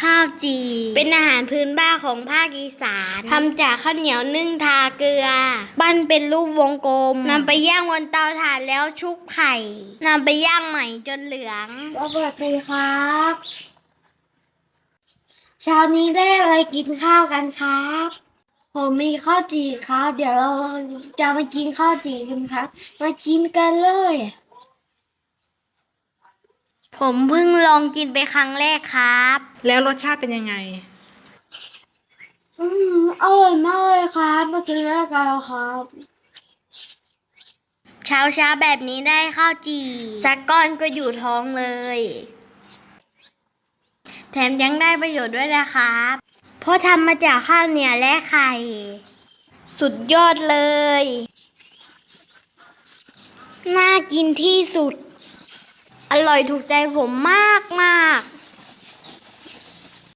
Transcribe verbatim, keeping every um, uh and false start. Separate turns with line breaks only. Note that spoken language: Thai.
ข้าวจี่เป็นอาหารพื้นบ้านของภาคอีสานทำจากข้าวเหนียวนึ่งทาเกลือปั้นเป็นรูปวงกลมนำไปย่างบนเตาถ่านแล้วชุบไข่นำไปย่างใหม่จนเหลือง
สวัสดีครับเช้านี้ได้อะไรกินข้าวกันครับผมมีข้าวจี่ครับเดี๋ยวเราจะมากินข้าวจี่กันครับมากินกันเลย
ผมเพิ่งลองกินไปครั้งแรกครับ
แล้วรสชาติเป็นยังไง
อืมอร่อยมากเลยครับมากินด้วยกันครับ
เช้าเช้าแบบนี้ได้ข้าวจี่สักก้อนก็อยู่ท้องเลยแถมยังได้ประโยชน์ด้วยนะครับเพราะทำมาจากข้าวเหนียวและไข่สุดยอดเลยน่ากินที่สุดอร่อยถูกใจผมมากมาก